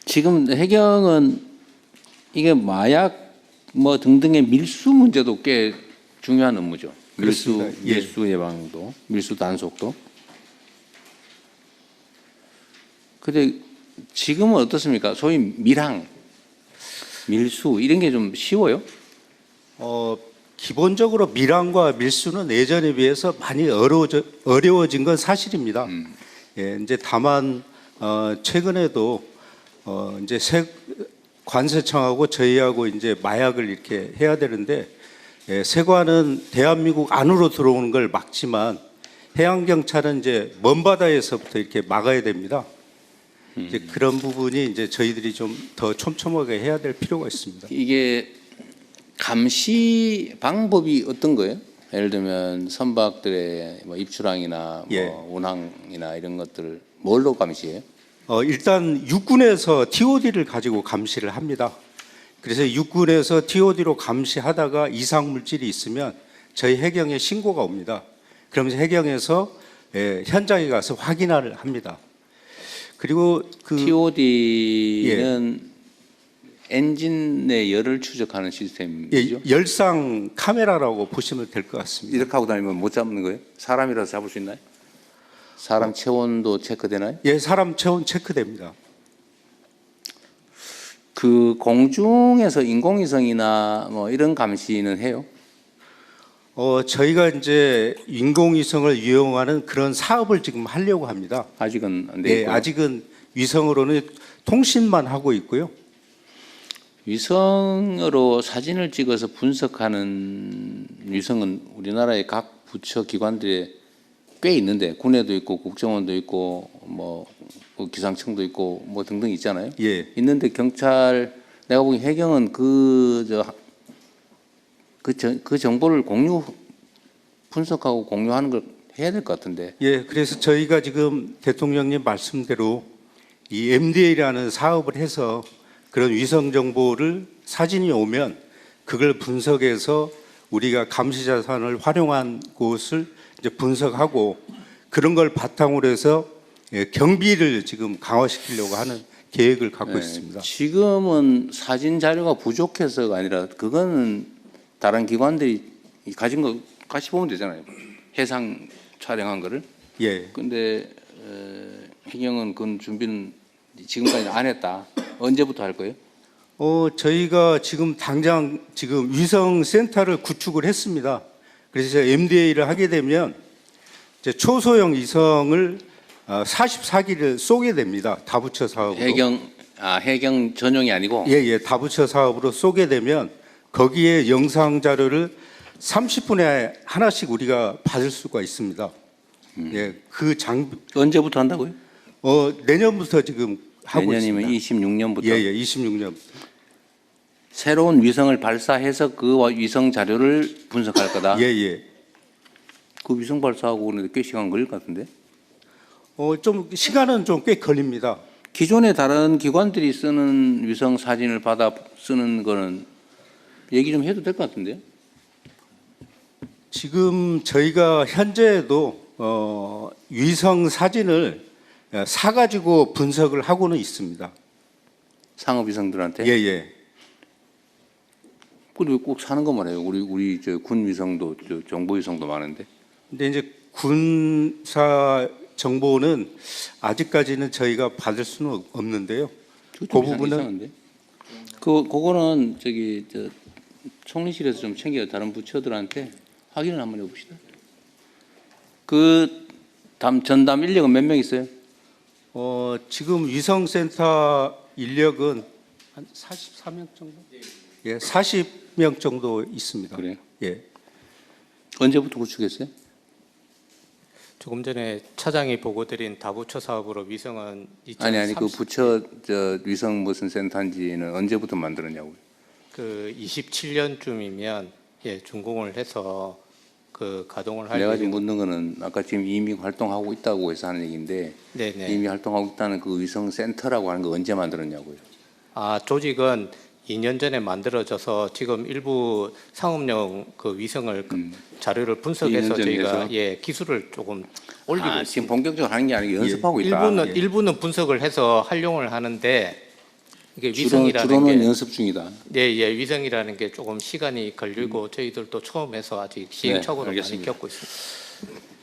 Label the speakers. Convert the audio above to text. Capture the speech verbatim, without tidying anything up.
Speaker 1: 지금 해경은 이게 마약 뭐 등등의 밀수 문제도 꽤 중요한 업무죠. 밀수,
Speaker 2: 그렇습니다. 예.
Speaker 1: 밀수 예방도, 밀수 단속도. 근데 지금은 어떻습니까? 소위 밀항, 밀수 이런 게 좀 쉬워요?
Speaker 2: 어, 기본적으로 밀항과 밀수는 예전에 비해서 많이 어려워져, 어려워진 건 사실입니다.
Speaker 1: 음.
Speaker 2: 예, 이제 다만 어, 최근에도 어, 이제 세, 관세청하고 저희하고 이제 마약을 이렇게 해야 되는데 예, 세관은 대한민국 안으로 들어오는 걸 막지만 해양 경찰은 이제 먼 바다에서부터 이렇게 막아야 됩니다.
Speaker 1: 음.
Speaker 2: 이제 그런 부분이 이제 저희들이 좀 더 촘촘하게 해야 될 필요가 있습니다.
Speaker 1: 이게 감시 방법이 어떤 거예요? 예를 들면 선박들의 뭐 입출항이나
Speaker 2: 예.
Speaker 1: 뭐 운항이나 이런 것들을 뭘로 감시해요?
Speaker 2: 어, 일단 육군에서 티오디를 가지고 감시를 합니다. 그래서 육군에서 티오디로 감시하다가 이상 물질이 있으면 저희 해경에 신고가 옵니다. 그러면서 해경에서 예, 현장에 가서 확인을 합니다. 그리고 그
Speaker 1: 티오디는 엔진의 열을 추적하는 시스템이죠.
Speaker 2: 예, 열상 카메라라고 보시면 될 것 같습니다.
Speaker 1: 이렇게 하고 다니면 못 잡는 거예요? 사람이라도 잡을 수 있나요? 사람 체온도 체크되나요?
Speaker 2: 예, 사람 체온 체크됩니다.
Speaker 1: 그 공중에서 인공위성이나 뭐 이런 감시는 해요?
Speaker 2: 어, 저희가 이제 인공위성을 이용하는 그런 사업을 지금 하려고 합니다.
Speaker 1: 아직은 안 돼
Speaker 2: 네,
Speaker 1: 있고요.
Speaker 2: 아직은 위성으로는 통신만 하고 있고요.
Speaker 1: 위성으로 사진을 찍어서 분석하는 위성은 우리나라의 각 부처 기관들에 꽤 있는데 군에도 있고 국정원도 있고 뭐 기상청도 있고 뭐 등등 있잖아요.
Speaker 2: 예.
Speaker 1: 있는데 경찰 내가 보기 해경은 그 저 그 그 정보를 공유 분석하고 공유하는 걸 해야 될 것 같은데.
Speaker 2: 예, 그래서 저희가 지금 대통령님 말씀대로 이 엠디에이라는 사업을 해서 그런 위성 정보를 사진이 오면 그걸 분석해서 우리가 감시 자산을 활용한 곳을 이제 분석하고 그런 걸 바탕으로 해서 예, 경비를 지금 강화시키려고 하는 계획을 갖고
Speaker 1: 네,
Speaker 2: 있습니다.
Speaker 1: 지금은 사진 자료가 부족해서가 아니라 그거는 다른 기관들이 가진 거 같이 보면 되잖아요. 해상 촬영한 거를.
Speaker 2: 예.
Speaker 1: 근데 어, 해경은 그건 준비는 지금까지 안 했다. 언제부터 할 거예요?
Speaker 2: 어, 저희가 지금 당장 지금 위성 센터를 구축을 했습니다. 그래서 엠디에이를 하게 되면 이제 초소형 위성을 사십사 기를 쏘게 됩니다. 다부처 사업으로.
Speaker 1: 해경 아 해경 전용이 아니고.
Speaker 2: 예, 예. 다부처 사업으로 쏘게 되면 거기에 영상 자료를 삼십 분에 하나씩 우리가 받을 수가 있습니다.
Speaker 1: 음.
Speaker 2: 예, 그 장비
Speaker 1: 언제부터 한다고요?
Speaker 2: 어, 내년부터 지금 하고
Speaker 1: 내년이면
Speaker 2: 있습니다.
Speaker 1: 이십육 년부터.
Speaker 2: 예, 예. 이십육 년부터.
Speaker 1: 새로운 위성을 발사해서 그 위성 자료를 분석할 거다.
Speaker 2: 예, 예.
Speaker 1: 그 위성 발사하고 오는데 꽤 시간 걸릴 것 같은데.
Speaker 2: 어, 좀 시간은 좀 꽤 걸립니다.
Speaker 1: 기존에 다른 기관들이 쓰는 위성 사진을 받아 쓰는 거는 얘기 좀 해도 될 것 같은데요.
Speaker 2: 지금 저희가 현재도 어, 위성 사진을 사가지고 분석을 하고는 있습니다.
Speaker 1: 상업 위성들한테.
Speaker 2: 예, 예.
Speaker 1: 그리고 꼭 사는 것만 해요. 우리 우리 저 군 위성도 저 정보 위성도 많은데.
Speaker 2: 근데 이제 군사 정보는 아직까지는 저희가 받을 수는 없는데요. 그 부분은
Speaker 1: 이상한데. 그 그거는 저기 저 총리실에서 좀 챙겨 다른 부처들한테 확인을 한번 해봅시다. 그 담 전담 인력은 몇 명 있어요?
Speaker 2: 어, 지금 위성센터 인력은 한 사십사 명 정도? 예, 사십 명 정도 있습니다.
Speaker 1: 그래요?
Speaker 2: 예.
Speaker 1: 언제부터 구축했어요?
Speaker 3: 조금 전에 차장이 보고드린 다부처 사업으로 위성은
Speaker 1: 아니 아니 그
Speaker 3: 이천삼십
Speaker 1: 부처 저 위성 무슨 센터인지는 언제부터 만들었냐고요?
Speaker 3: 그 이십칠 년쯤이면 예 준공을 해서 그 가동을 할
Speaker 1: 내가 지금
Speaker 3: 예정-
Speaker 1: 묻는 거는 아까 지금 이미 활동하고 있다고 해서 하는 얘기인데
Speaker 3: 네네.
Speaker 1: 이미 활동하고 있다는 그 위성 센터라고 하는 거 언제 만들었냐고요?
Speaker 3: 아 조직은 이 년 전에 만들어져서 지금 일부 상업용 그 위성을 그
Speaker 1: 음.
Speaker 3: 자료를 분석해서
Speaker 1: 이 년 전에
Speaker 3: 저희가
Speaker 1: 해서?
Speaker 3: 예 기술을 조금 올리고
Speaker 1: 아,
Speaker 3: 있습니다.
Speaker 1: 지금 본격적으로 하는 게 아니고 연습하고 있다.
Speaker 3: 일부는
Speaker 2: 예.
Speaker 3: 일부는 분석을 해서 활용을 하는데 이게
Speaker 1: 주로,
Speaker 3: 위성이라는
Speaker 1: 주로는
Speaker 3: 게
Speaker 1: 연습 중이다.
Speaker 3: 예, 예, 위성이라는 게 조금 시간이 걸리고 저희들도 처음에서 아직 시행착오를 많이
Speaker 1: 알겠습니다.
Speaker 3: 겪고 있습니다.